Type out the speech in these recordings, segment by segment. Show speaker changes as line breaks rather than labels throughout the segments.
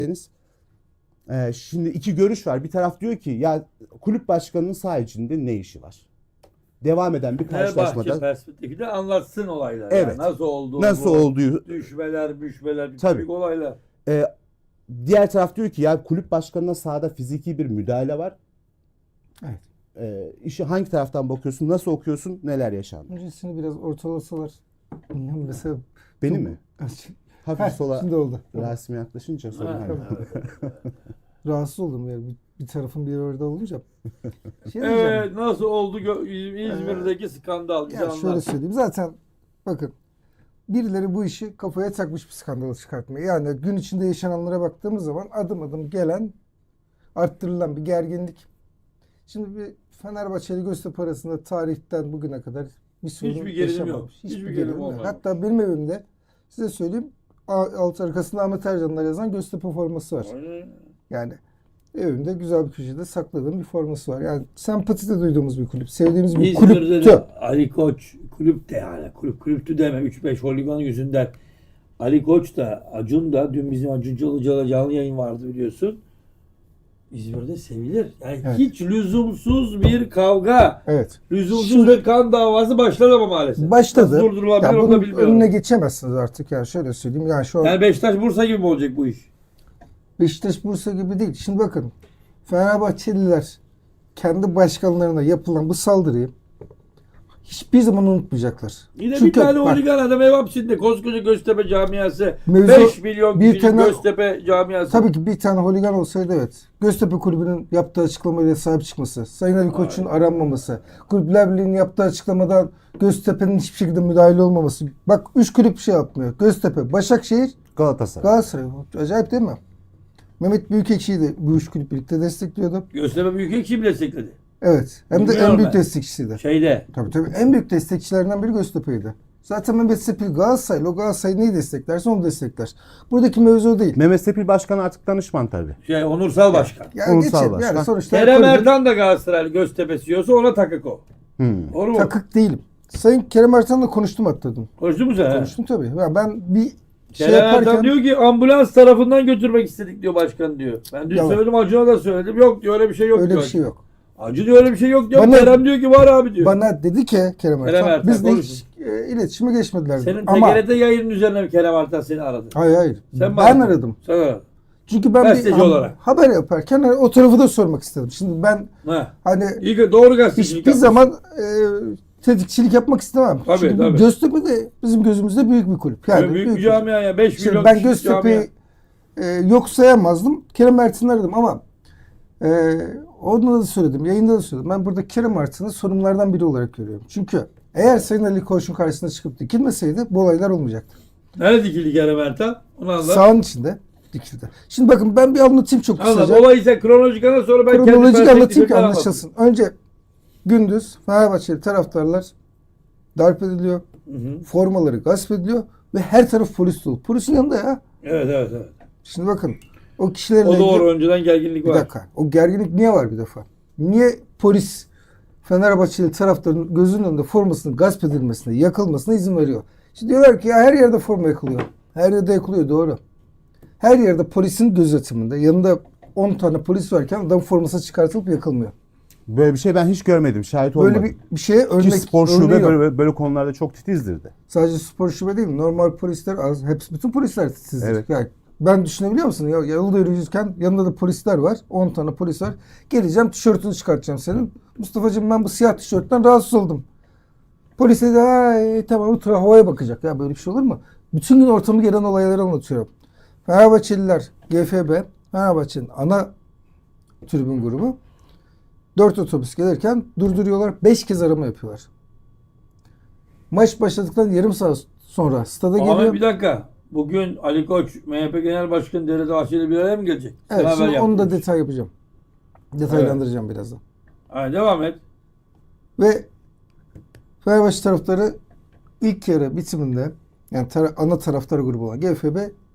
Şimdi iki görüş var. Bir taraf diyor ki ya kulüp başkanının saha içinde ne işi var? Devam eden bir karşılaşmada.
Fenerbahçe perspektifiyle anlatsın olaylar.
Evet.
Yani nasıl olduğu,
Nasıl olduğu.
düşmeler, müşmeler,
Tabii.
büyük olaylar.
Diğer taraf diyor ki ya kulüp başkanına sahada fiziki bir müdahale var.
Evet.
İşi hangi taraftan bakıyorsun? Nasıl okuyorsun? Neler yaşandı?
Öncesini biraz ortalasalar. Bilmiyorum, mesela
Beni
çok-
mi? Hafif sola
Şimdi oldu.
Rasim'e yaklaşınca sorun.
Ha.
Rahatsız oldum yani bir tarafın bir orada olunca. Şey diyeceğim.
Evet, nasıl oldu İzmir'deki skandal? Bize
Ya şöyle
anlat.
söyleyeyim. Zaten bakın, birileri bu işi kafaya takmış bir skandal çıkartmaya. Yani gün içinde yaşananlara baktığımız zaman adım adım gelen, arttırılan bir gerginlik. Şimdi bir Fenerbahçeli Göztepe arasında tarihten bugüne kadar bir sorun
Hiçbir gerilim yok.
yaşamamış.
Hiçbir gerilim olmadı.
Hatta benim evimde size söyleyeyim, alt arkasında Ahmet Ercanlar yazan Göztepe forması var.
Aynen.
Yani evimde güzel bir köşede sakladığım bir forması var. Yani sempati de duyduğumuz bir kulüp. Sevdiğimiz bir
İzmir'de
kulüptü.
de Ali Koç kulüp de yani kulüptü deme 3-5 holigan yüzünden Ali Koç da Acun da dün bizim Acun Ilıcalı canlı yayın vardı biliyorsun. İzmir'de sevilir. Yani
Evet.
hiç lüzumsuz bir kavga,
Evet.
lüzumsuz
Şimdi-
bir kan davası başladı ama maalesef.
Başladı.
Nasıl durdurulabilir
Ya
onu
bunun
da bilmiyorum.
önüne geçemezsiniz artık. Yani şöyle söyleyeyim. Yani şu an
Yani Beşiktaş Bursa gibi mi olacak bu iş?
Beşiktaş Bursa gibi değil. Şimdi bakın, Fenerbahçeliler kendi başkanlarına yapılan bu saldırıyı hiçbir zaman unutmayacaklar.
Yine
Çünkü
bir tane
bak,
holigan adam ev hapsinde koskoca Göztepe camiası.
Mevzu-
5 milyon
bir
kişilik
tane-
Göztepe camiası.
tabii ki bir tane holigan olsaydı evet. Göztepe Kulübü'nün yaptığı açıklamayla sahip çıkması, Sayın Ali Koç'un aranmaması, Kulüpler Birliği'nin yaptığı açıklamadan Göztepe'nin hiçbir şekilde müdahale olmaması. Bak 3 kulüp bir şey yapmıyor. Göztepe, Başakşehir,
Galatasaray.
Galatasaray. Acayip değil mi? Mehmet Büyükekşi'yi de bu 3 kulüp birlikte destekliyordu.
Göztepe Büyükekşi mi destekledi?
Evet. Hem de
Bilmiyorum
en büyük
ben.
destekçisiydi.
Şeyde.
Tabii en büyük destekçilerinden biri Göztepe'ydi. Zaten Mehmet Sepil Galatasaraylı. O Galatasaray neyi desteklerse onu destekler. Buradaki mevzu o değil.
Mehmet Sepil Başkan artık danışman tabii.
Onursal başkan.
Yani
Ulusal
geçelim.
başkan.
Yani sonuçta
Kerem
kulübün-
Ertan da Galatasaraylı Göztepe CEO'su ona takık o. Doğru mu?
takık değilim. Sayın Kerem Ertan'la konuştum hatta dün.
Konuştun mu sen?
Konuştum tabii. Ya ben bir şey
Kerem Ertan
yaparken
diyor ki ambulans tarafından götürmek istedik diyor başkan diyor. Ben dün
Yalan.
söyledim Acun'a da söyledim. Yok diyor öyle bir şey yok
öyle
diyor.
bir şey yok.
Acun diyor öyle bir şey yok diyor.
Bana-
Kerem diyor ki var abi diyor.
Bana dedi ki Kerem Ertan,
Ertan
biz de hiç
konuşun.
iletişime geçmediler. dedi.
Senin
Ama
TGRT yayının üzerine mi Kerem Ertan seni aradı?
hayır.
Sen mi
Ben
aradın?
aradım.
Sen aradın.
Çünkü ben
Gazeteci olarak.
haber yaparken hani o tarafı da sormak istedim. Şimdi ben
Ha.
hani
İyi ki doğru gazetecilik
hiçbir
yapmışsın.
zaman tetikçilik yapmak istemem.
Tabii,
Çünkü
tabii.
Göztepe de bizim gözümüzde büyük bir kulüp.
Yani büyük bir camia ya. 5
Şimdi
milyon
ben
kişilik
Göztepe'yi
camia.
yok sayamazdım. Kerem Ertan'ı aradım ama onda da söyledim, yayında da söyledim. Ben burada Kerem Ertan'ı sorumlulardan biri olarak görüyorum. Çünkü eğer Sayın Ali Koç'un karşısına çıkıp dikilmeseydi bu olaylar olmayacaktı.
Nerede dikildi Kerem Ertan? Onu anlat.
Sahanın içinde dikildi. Şimdi bakın ben bir anlatayım çok
Anlat.
kısaca.
Olayı sen kronolojik anlat sonra ben kendi
Kronolojik anlatayım ki
perspektifimden
anlaşılsın. Önce gündüz Fenerbahçeli taraftarlar darp ediliyor.
Hı.
Formaları gasp ediliyor ve her taraf polis dolu. Polisin yanında ya.
Evet.
Şimdi bakın o kişilerle
O
ilgili...
doğru önceden gerginlik
Bir
var.
dakika. O gerginlik niye var bir defa? Niye polis Fenerbahçeli taraftarın gözünün önünde formasının gasp edilmesine, yakılmasına izin veriyor? Şimdi diyorlar ki ya her yerde forma yakılıyor. Her yerde yakılıyor, doğru. Her yerde polisin gözetiminde yanında 10 tane polis varken adam forması çıkartılıp yakılmıyor.
Böyle bir şey ben hiç görmedim. Şahit olmadım.
Böyle bir şeye
Ki
örnek
spor
örneği
şube
yok.
böyle konularda çok titizdir de.
Sadece spor şube değil, normal polisler az. Hepsi, bütün polisler titizdir.
Evet.
Yani ben düşünebiliyor musun? Ya yolda yürüyürken yanında da polisler var. 10 tane polis var. Geleceğim, tişörtünü çıkartacağım senin. Mustafa'cığım ben bu siyah tişörtten rahatsız oldum. Polis de tamam ultra havaya bakacak. Ya böyle bir şey olur mu? Bütün gün ortamı gelen olayları anlatıyorum. Fenerbahçeliler, GFB, Fenerbahçe'nin ana tribün grubu 4 otobüs gelirken durduruyorlar. 5 kez arama yapıyorlar. Maç başladıktan yarım saat sonra stada
Ahmet
geliyor.
bir dakika. Bugün Ali Koç, MHP Genel Başkanı Devlet Bahçeli bir araya mı gelecek?
Evet,
Sen
şimdi
haber
onu da
yaptın.
detay yapacağım. Detaylandıracağım birazdan.
Ha, devam et.
Ve Fenerbahçe taraftarı ilk yarı bitiminde yani ana taraftar grubu olan GFB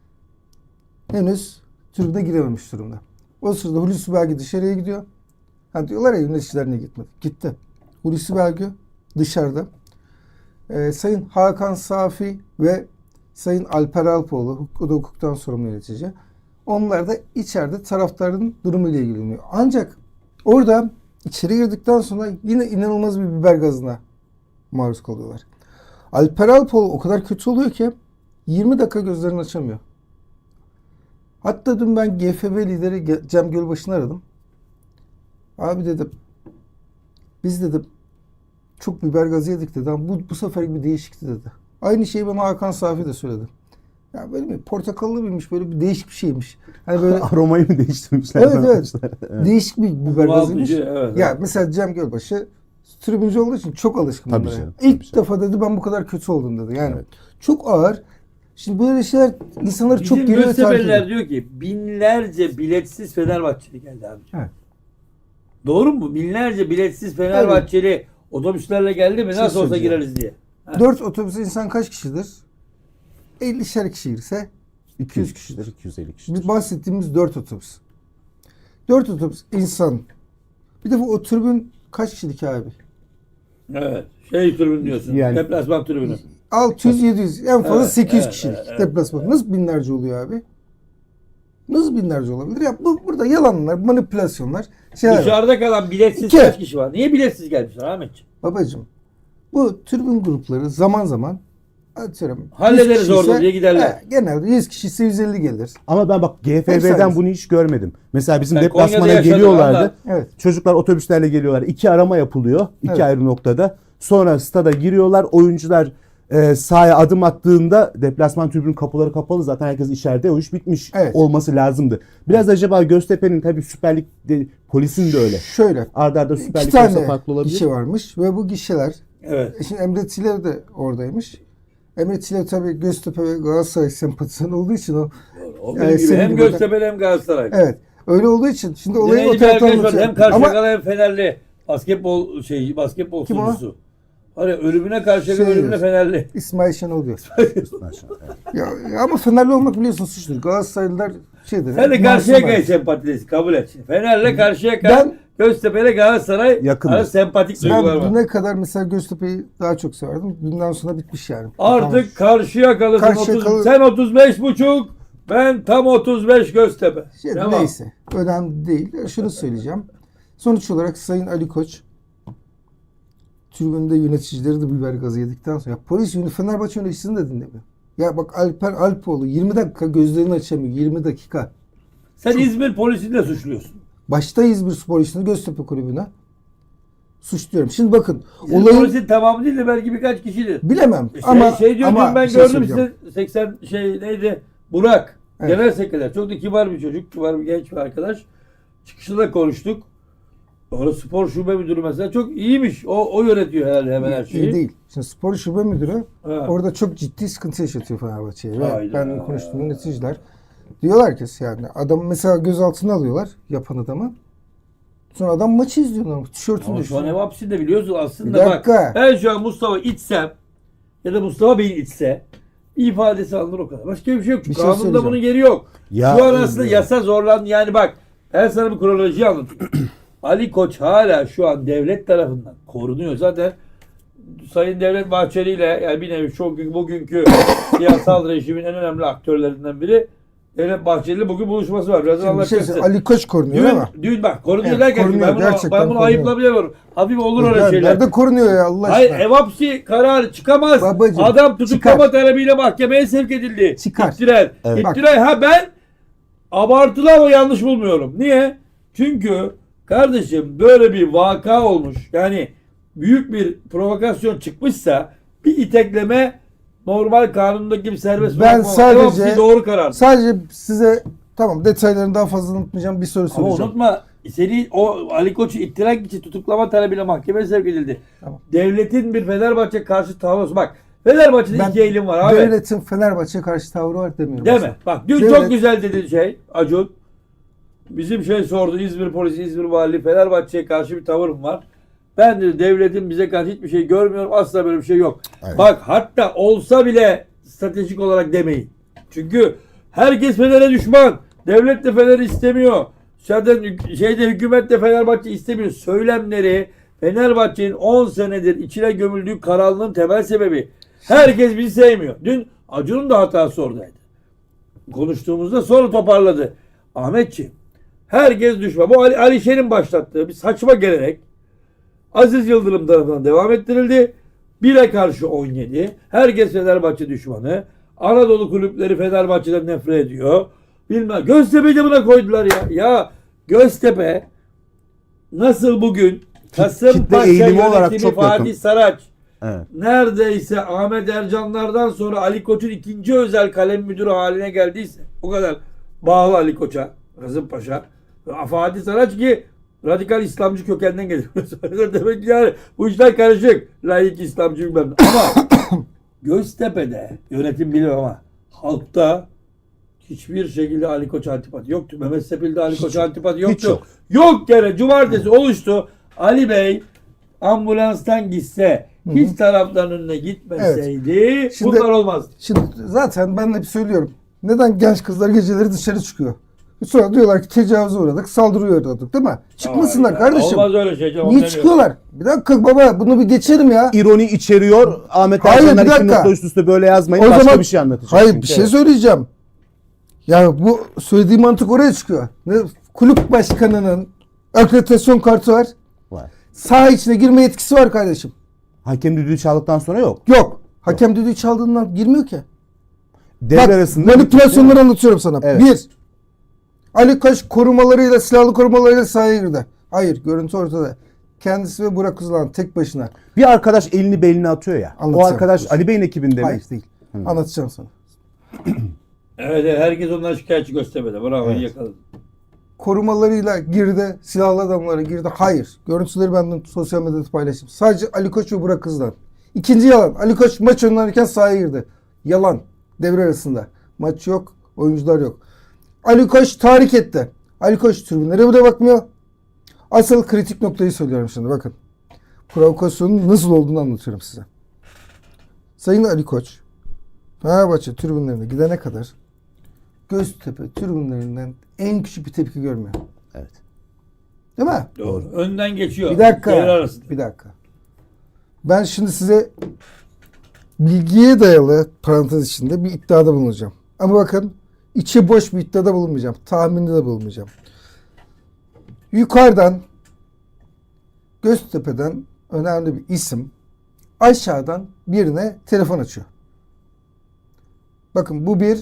henüz tribüne girememiş durumda. O sırada Hulusi Belgi dışarıya gidiyor. Ha diyorlar ya yöneticiler niye gitmedi? Gitti. Hulusi Belgi dışarıda. Sayın Hakan Safi ve Sayın Alper Alpoğlu, o da hukuktan sorumlu yönetici. Onlar da içeride taraftarın durumuyla ilgileniyor. Ancak orada içeri girdikten sonra yine inanılmaz bir biber gazına maruz kalıyorlar. Alper Alpoğlu o kadar kötü oluyor ki 20 dakika gözlerini açamıyor. Hatta dün ben GFB lideri Cem Gölbaşı'nı aradım. Abi dedim, biz dedim çok biber gazı yedik dedi ama bu sefer bir değişikti dedi. Aynı şeyi bana Hakan Safi de söyledi. Ya böyle bir portakallı mıymış, böyle bir değişik bir şeymiş. Hani böyle
Aromayı mı değiştirmişler?
evet. Değişik bir biber gazıymış.
Evet,
Ya
evet.
mesela Cem Gölbaşı tribüncü olduğu için çok alışkın
Tabii
bunlara.
canım,
İlk
tabii
defa dedi ben bu kadar kötü oldum dedi. Yani
Evet.
çok ağır. Şimdi böyle şeyler insanları
Bizim
çok geriye takip
Göztepe'liler
ediyor.
diyor ki binlerce biletsiz Fenerbahçeli geldi abi.
Evet.
Doğru mu? Binlerce biletsiz Fenerbahçeli otobüslerle geldi mi?
şey
Nasıl olsa
söyleyeceğim.
gireriz diye.
4 otobüs insan kaç kişidir? 50'şer kişi girse
200 kişidir, 250 kişidir.
biz bahsettiğimiz 4 otobüs. 4 otobüs insan. Bir de bu tribün kaç kişilik abi?
Evet. Şey tribün diyorsun.
Yani-
Deplasman tribünü.
600-700 en fazla
Evet,
800
evet,
kişilik
evet.
deplasman. Nasıl binlerce oluyor abi? Nasıl binlerce olabilir? Ya burada yalanlar, manipülasyonlar, şeyler var.
Dışarıda kalan biletsiz
İki.
kaç kişi var? Niye biletsiz gelmişler Ahmetciğim?
Babacığım, bu tribün grupları zaman zaman atıyorum. 100
Hallederiz
kişi
orada
ise-
diye giderler.
Genelde 100 kişi ise 150 gelir.
Ama ben bak
Efsane.
GFB'den bunu hiç görmedim. Mesela bizim
Ben
deplasmana
Konya'da yaşadım
geliyorlardı.
ama.
Evet.
Çocuklar otobüslerle geliyorlar. 2 arama yapılıyor. 2
Evet.
ayrı noktada. Sonra stada giriyorlar. Oyuncular sahaya adım attığında deplasman tribünün kapıları kapalı. Zaten herkes içeride. O iş bitmiş
Evet.
olması lazımdı. Biraz acaba Göztepe'nin tabii Süper Lig'de polisin de öyle.
Şöyle.
Arda arda Süper
2
Lig olsa
tane
farklı olabilir.
gişe varmış ve bu gişeler
Evet.
şimdi Emre Tiler de oradaymış. Emre Tiler tabii Göztepe ve Galatasaray sempatizanı olduğu için o
O
Yani
benim gibi
senin
hem
gibi
Göztepe'li hem Galatasaray.
evet öyle olduğu için şimdi
Bir de
olayı o
neydi bir
taraftan
arkadaş var, hem
anlatıyor. Ama
Karşıyakalı hem Fenerli. Basketbol
Kim o?
sunucusu. Hani ölümüne Karşıyakalı,
Şey
ölümüne
diyorsun.
Fenerli.
İsmail Şenol diyor.
Maşallah.
Ya ama Fenerli olmak biliyorsun suçtur. Galatasaraylılar şeydir.
Sen de
masum
Karşıyaka'yı
var.
sempatilesin, kabul et. Şimdi. Fener'le Karşıyaka,
Ben-
Göztepe'yle Galatasaray
Yakındır.
arasında sempatik duygular
Ben
var.
düne kadar mesela Göztepe'yi daha çok severdim. Dünden sonra bitmiş yani.
Artık Karşıyakalısın.
Karşıyakalı-
Sen 35,5, ben tam 35 Göztepe.
Şey,
Tamam.
neyse. Önemli değil. Şunu söyleyeceğim. Sonuç olarak Sayın Ali Koç tribünde yöneticileri de biber gazı yedikten sonra polis Fenerbahçe yöneticisini de dinlemiyor. Ya bak Alper Alpoğlu 20 dakika gözlerini açamıyor. 20 dakika.
Sen İzmir polisini de suçluyorsun.
Başta İzmir Spor İşini Göztepe Kulübü'ne suçluyorum. Şimdi bakın
İzmir
olayın
polisin tamamı değil de belki birkaç kişidir.
bilemem
Şey,
ama
diyor
ama
ben
bir şey
gördüm
söyleyeceğim.
size 80 neydi? Burak.
Evet.
Genel sekreter. Çok da kibar bir çocuk. Kibar bir genç bir arkadaş. Çıkışında konuştuk. Orada spor şube müdürü mesela çok iyiymiş. O yönetiyor herhalde hemen her şeyi.
İyi değil. Şimdi spor şube müdürü
Ha.
orada çok ciddi sıkıntı yaşatıyor Fenerbahçe'ye. Ve
Hayda.
ben konuştuğum yöneticiler diyorlar ki yani adam mesela gözaltına alıyorlar yapan adamı. Sonra adam maçı izliyor normal. Tişörtünü
Ama şu an ev
düşüyor.
hapsinde biliyorsun aslında
Bir dakika.
bak. Ben şu an Mustafa içsem ya da Mustafa Bey'in içse bir ifadesi alınır o kadar. Başka bir şey yok.
Bir şey
Kanunda
söyleyeceğim.
bunun yeri yok.
Ya,
şu an aslında
evet.
yasa zorlandı. Yani bak ben sana bir kronolojiyi anlatayım. Ali Koç hala şu an devlet tarafından korunuyor. Zaten Sayın Devlet Bahçeli ile yani bir nevi bugünkü siyasal rejimin en önemli aktörlerinden biri Devlet Bahçeli bugün buluşması var. Birazdan
Şimdi bir şey
anlatacaksın.
söyleyeyim, Ali Koç korunuyor ama.
Dün bak korunuyor
Evet,
derken
korunuyor,
ben bunu,
gerçekten
ben bunu
korunuyor.
ayıplayamıyorum. Hafif olur öyle
Ya
şeyler.
nerede korunuyor ya Allah
Hayır
aşkına?
ev hapsi kararı çıkamaz.
Babacım,
Adam tutuklama
çıkar.
talebiyle mahkemeye sevk edildi.
Çıkar.
İptiral.
Evet.
İptiral. Ben abartılı ama yanlış bulmuyorum. Niye? Çünkü kardeşim böyle bir vaka olmuş. Yani büyük bir provokasyon çıkmışsa bir itekleme normal kanundaki gibi serbest
Ben
bırakma.
sadece-
Ev hapsi doğru karar.
Sadece size tamam detaylarını daha fazla unutmayacağım bir soru
Ama
soracağım.
unutma seni o Ali Koç'u ittirak için tutuklama talebiyle mahkemeye sevk edildi.
Tamam.
Devletin bir Fenerbahçe karşı tavrı. Bak Fenerbahçe'de
Ben
iki eğilim var abi.
devletin Fenerbahçe'ye karşı tavrı var demiyorum.
Deme. Bak dün
Devlet-
çok güzel dedi Acun. Bizim sordu İzmir polisi, İzmir valiliği Fenerbahçe'ye karşı bir tavırım var. Ben de devletin bize karşı hiçbir şey görmüyorum. Asla böyle bir şey yok.
Evet.
Bak hatta olsa bile stratejik olarak demeyin. Çünkü herkes Fener'e düşman. Devlet de Fener'i istemiyor. Zaten hükümet de Fenerbahçe istemiyor. Söylemleri Fenerbahçe'nin 10 senedir içine gömüldüğü karanlığın temel sebebi. Herkes bizi sevmiyor. Dün Acun'un da hatası oradaydı. konuştuğumuzda sonra toparladı. Ahmetciğim, herkes düşman. Bu Ali Şen'in başlattığı bir saçma gelenek Aziz Yıldırım tarafından devam ettirildi. 1'e karşı 17. Herkes Fenerbahçe düşmanı. Anadolu kulüpleri Fenerbahçe'den nefret ediyor. Bilmem. Göztepe'yi de buna koydular ya. Ya Göztepe nasıl bugün Kasımpaşa
eğilimi olarak
yönetimi
çok yakın.
Fatih Saraç
Evet.
neredeyse Ahmet Ercanlardan sonra Ali Koç'un ikinci özel kalem müdürü haline geldiyse, o kadar bağlı Ali Koç'a, Kasımpaşa, Fatih Saraç ki radikal İslamcı kökenden geliyor. Demek ki yani bu işler karışık. Laik İslamcı bilmem ne. Ama Göztepe'de yönetim bilir ama halkta hiçbir şekilde Ali Koç antipati yoktu. Mehmet Sepil'de Ali Koç antipati yoktu.
hiç yok.
Yok gene cumartesi oluştu. Ali Bey ambulanstan gitse, hiç taraftarın önüne gitmeseydi
Şimdi-
bunlar olmazdı.
Şimdi zaten ben hep söylüyorum. Neden genç kızlar geceleri dışarı çıkıyor? Sonra diyorlar ki tecavüze uğradık, saldırıya uğradık değil mi? Çıkmasınlar
Aa,
kardeşim.
Olmaz öyle şey. canım,
Niye
onu
çıkıyorlar? Bir dakika baba bunu bir geçelim ya.
İroni içeriyor. Ahmet
Hayır,
Ercanlar
bir
2
dakika.
nokta üst üste böyle yazmayın.
O
Başka
zaman-
bir şey anlatacak.
Hayır
çünkü.
bir şey söyleyeceğim. Ya bu söylediğim mantık oraya çıkıyor. Kulüp başkanının akreditasyon kartı var.
Var.
Saha içine girme yetkisi var kardeşim.
Hakem düdüğü çaldıktan sonra yok.
Yok. Hakem düdüğü çaldığından girmiyor ki.
Devre
Bak
arasında
manipülasyonları anlatıyorum sana.
Evet.
Bir, Ali Koç korumalarıyla, silahlı korumalarıyla sahaya girdi. Hayır, görüntü ortada. Kendisi ve Burak Uzlan tek başına.
bir arkadaş elini beline atıyor ya. O
Anlatacağım.
arkadaş Ali Bey'in ekibinde mi?
Hayır değil. Anlatacağım sana.
Evet, evet, herkes ondan şikayetçi Göztepe'de. Bravo, iyi
Evet.
yakaladın.
Korumalarıyla girdi, silahlı adamlara girdi. Hayır. Görüntüleri ben sosyal medyada paylaştım. Sadece Ali Koç ve Burak Uzlan. İkinci yalan. Ali Koç maç oynarken sahaya girdi. Yalan. Devre arasında. Maç yok, oyuncular yok. Ali Koç tahrik etti. Ali Koç tribünlere bile bakmıyor. Asıl kritik noktayı söylüyorum şimdi bakın. Provokasyonun nasıl olduğunu anlatıyorum size. Sayın Ali Koç, Fenerbahçe tribünlerine gidene kadar Göztepe tribünlerinden en küçük bir tepki görmüyor.
Evet.
Değil mi?
Doğru. Önden geçiyor.
Bir dakika.
Devre arasında.
Bir dakika. Ben şimdi size bilgiye dayalı parantez içinde bir iddiada bulunacağım. Ama bakın içi boş bir iddiada bulunmayacağım. Tahminde de bulunmayacağım. Yukarıdan Göztepe'den önemli bir isim aşağıdan birine telefon açıyor. Bakın bu bir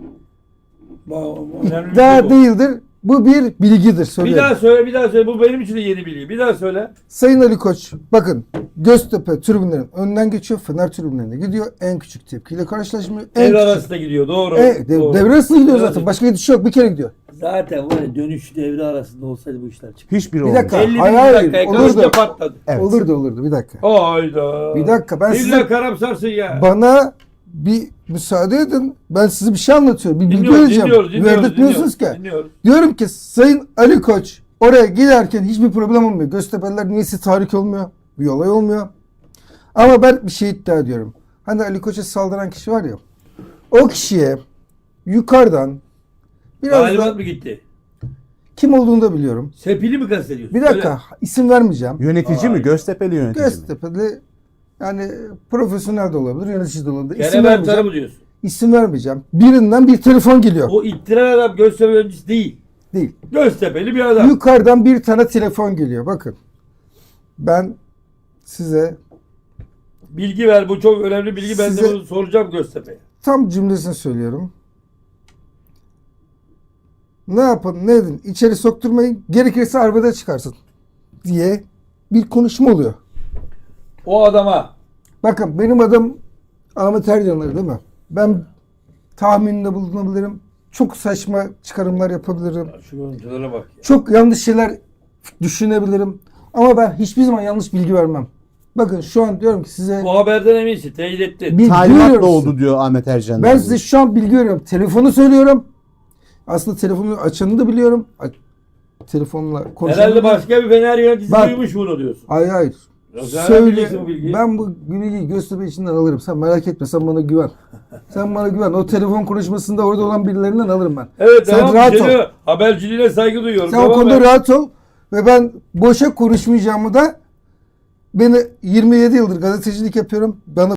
Önemli bir
iddia
şey bu.
değildir. Bu bir bilgidir.
Bir
Söylüyorum.
daha söyle, bir daha söyle. Bu benim için de yeni bilgi. Bir daha söyle.
Sayın Ali Koç, bakın Göztepe tribünlerin önünden geçiyor. Fener tribünlerine gidiyor. En küçük tepkiyle karşılaşmıyor. En
Devre
küçük-
arasında gidiyor. Doğru. Doğru.
devre arasında gidiyor
Devre
zaten. Başka gidiş yok. Bir kere gidiyor.
Zaten var ya, dönüş devre arasında olsaydı bu işler çıktı.
Hiçbiri
Bir
olmuyor.
dakika.
50
Hayır,
dakika
olurdu.
kalınca patladı.
Evet.
Olurdu. Bir dakika.
Hayda.
Bir dakika, ben
İlla
size-
karamsarsın ya.
Bana bir müsaade edin. Ben size bir şey anlatıyorum. Bir bilgi
Dinliyoruz,
vereceğim.
dinliyoruz,
Verdirtmiyorsunuz ki.
dinliyoruz.
Diyorum ki Sayın Ali Koç oraya giderken hiçbir problem olmuyor. Göztepe'liler niyeyse tahrik olmuyor. Bir olay olmuyor. Ama ben bir şey iddia ediyorum. Hani Ali Koç'a saldıran kişi var ya. O kişiye yukarıdan biraz
Talimat
da
mı gitti?
kim olduğunu da biliyorum.
Sepili mi kastediyorsun?
Bir dakika isim vermeyeceğim.
Yönetici mi?
Ay.
Göztepe'li yönetici mi?
Göztepe'li yani profesyonel de olabilir, yönetici de olabilir.
Söyle.
İsim
Kerem Ertan'ı
vermeyeceğim.
mı diyorsun?
İsim vermeyeceğim. Birinden bir telefon geliyor.
O ittiren adam Göztepe öncüsü değil.
Değil.
Göztepe'li bir adam.
Yukarıdan bir tane telefon geliyor. Bakın. Ben size
Bilgi ver. Bu çok önemli bilgi. Ben de
Size-
bunu soracağım Göztepe'ye.
tam cümlesini söylüyorum. Ne yapın ne edin içeri sokturmayın gerekirse arbede çıkarsın diye bir konuşma oluyor.
O adama
Bakın benim adım Ahmet Ercanlar değil mi? Ben tahminde bulunabilirim. Çok saçma çıkarımlar yapabilirim.
şu görüntülere bak ya.
Çok yanlış şeyler düşünebilirim. Ama ben hiçbir zaman yanlış bilgi vermem. Bakın şu an diyorum ki size
Bu haberden eminsin. Teyit ettin.
bilgi
Talimatla
veriyorum.
oldu diyor Ahmet Ercan.
Ben size şu an bilgi veriyorum. Telefonu söylüyorum. Aslında telefonu açanı da biliyorum. Telefonla konuşanı
Herhalde
da-
başka bir Fener yöneticisi
Bak-
duymuş bunu diyorsun.
Hayır.
Ya sen nereden bileceksin bu bilgiyi?
Ben bu bilgiyi Göztepe içinden alırım. Sen merak etme. Sen bana güven. Sen bana güven. O telefon konuşmasında orada olan birilerinden alırım ben.
Evet,
Sen
tamam.
rahat ol.
Seni haberciliğine saygı duyuyorum.
Sen o
Tamam
konuda
ben-
rahat ol. Ve ben boşa konuşmayacağımı da beni 27 yıldır gazetecilik yapıyorum. Bana